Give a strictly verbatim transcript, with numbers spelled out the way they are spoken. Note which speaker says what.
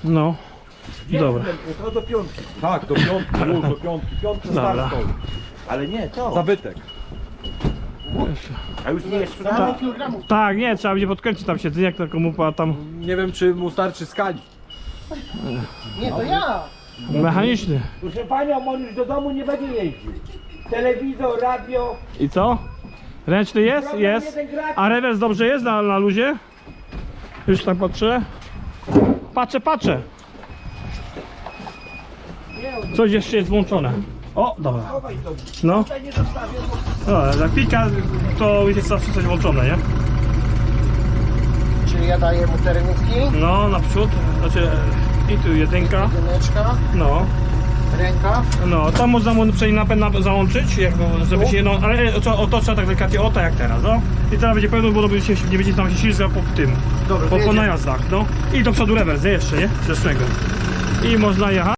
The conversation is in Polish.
Speaker 1: No. Dobra.
Speaker 2: To do piątki. Tak, do piątki, już do piątki. Piątki
Speaker 1: Dobra.
Speaker 2: start. Ale nie, to. Zabytek. A już nie jest sprzedany?
Speaker 1: Tak, nie, trzeba będzie podkręcić tam siedzenie, jak taką mupa tam
Speaker 2: Nie wiem, czy mu starczy skali.
Speaker 3: Nie, to ja!
Speaker 1: mechaniczny.
Speaker 4: Proszę panią, on już do domu nie będzie jeździł. Telewizor, radio.
Speaker 1: I co? Ręczny jest? Jest. A rewers dobrze jest na, na luzie? Już tak patrzę. Patrzę, patrzę. Coś jeszcze jest włączone. O, dobra. No. No, jak pika, to jest zawsze coś włączone, nie?
Speaker 3: Czyli ja daję mu terenówki,
Speaker 1: No, naprzód. Znaczy, i tu jedynka.
Speaker 3: jedyneczka,
Speaker 1: No.
Speaker 3: rękaw.
Speaker 1: No, tam można mu przejść napęd na, załączyć, jak, żeby się, no, ale to, o, to trzeba tak delikatnie, o tak jak teraz, no. I teraz będzie pełno, bo się, nie będzie tam się ślizgał po tym,
Speaker 3: Dobra,
Speaker 1: po, po
Speaker 3: jedziemy.
Speaker 1: najazdach, no. I do przodu rewers, nie? Jeszcze, nie? Zresztą. I można jechać.